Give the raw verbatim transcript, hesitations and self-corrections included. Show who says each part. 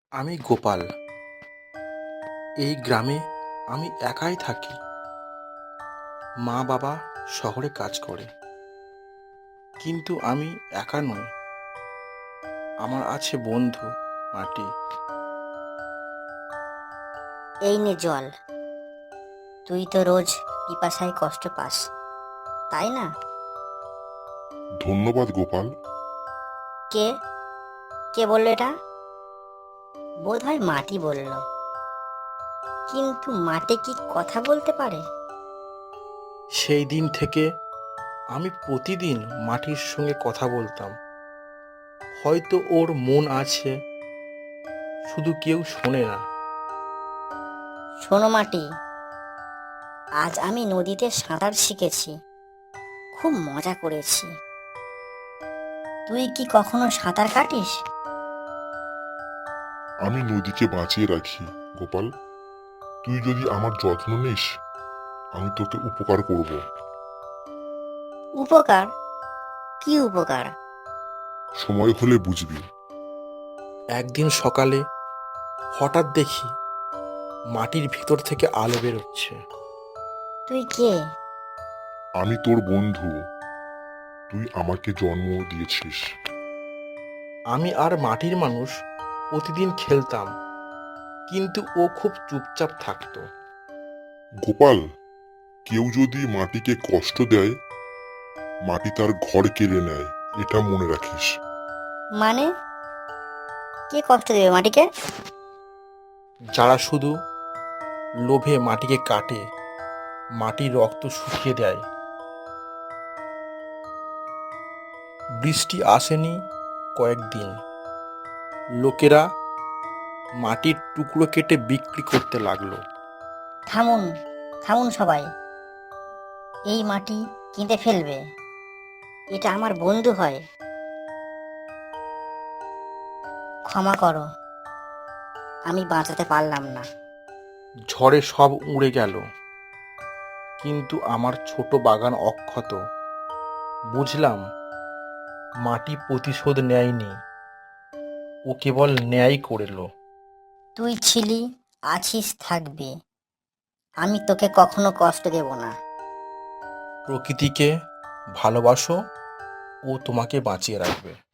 Speaker 1: আমি গোপাল। এই গ্রামে আমি একাই থাকি। মা বাবা শহরে কাজ করে, কিন্তু আমি একা নই। আমার আছে বন্ধু মাটি।
Speaker 2: এই নে জল। তুই তো রোজ পিপাসায় কষ্ট পাস, তাই না?
Speaker 3: ধন্যবাদ গোপাল।
Speaker 2: কে কে বললো এটা? বোধ হয় মাটি বলল। কিন্তু মাটি কি কথা বলতে পারে?
Speaker 1: সেই দিন থেকে আমি প্রতিদিন মাটির সঙ্গে কথা বলতাম। হয়তো ওর মন আছে, শুধু কেউ শোনে না।
Speaker 2: শোনো মাটি, আজ আমি নদীতে সাঁতার শিখেছি, খুব মজা করেছি। তুই কি কখনো সাঁতার কাটিস?
Speaker 3: আমি নদীকে বাঁচিয়ে রাখি গোপাল। তুই যদি আমার যত্ন নিস, আমি তোকে উপকার করব।
Speaker 2: উপকার? কি উপকার?
Speaker 3: সময় হলে বুঝবি।
Speaker 1: একদিন সকালে হঠাৎ দেখি মাটির ভিতর থেকে আলো বেরোচ্ছে।
Speaker 2: তুই কে?
Speaker 3: আমি তোর বন্ধু। তুই আমাকে জন্ম দিয়েছিস।
Speaker 1: আমি আর মাটির মানুষ প্রতিদিন খেলতাম, কিন্তু ও খুব চুপচাপ থাকতো।
Speaker 3: গোপাল, কেউ যদি মাটিকে কষ্ট দেয়, মাটি তার ঘর কেড়ে নেয়, এটা মনে রাখিস।
Speaker 2: মানে কে কষ্ট দেবে মাটিকে?
Speaker 1: যারা শুধু লোভে মাটিকে কাটে, মাটির রক্ত শুকিয়ে দেয়। বৃষ্টি আসেনি কয়েকদিন। লোকেরা মাটির টুকরো কেটে বিক্রি করতে লাগলো।
Speaker 2: থামুন, থামুন সবাই। এই মাটি কিনতে ফেলবে? এটা আমার বন্ধু হয়। ক্ষমা করো, আমি বাঁচাতে পারলাম না।
Speaker 1: ঝড়ে সব উড়ে গেল, কিন্তু আমার ছোট বাগান অক্ষত। বুঝলাম, মাটি প্রতিশোধ নেয়নি, ও কেবল ন্যায় করল।
Speaker 2: তুই ছিলি, আছিস, থাকবি। আমি তোকে কখনো কষ্ট দেব না।
Speaker 1: প্রকৃতিকে ভালোবাসো, ও তোমাকে বাঁচিয়ে রাখবে।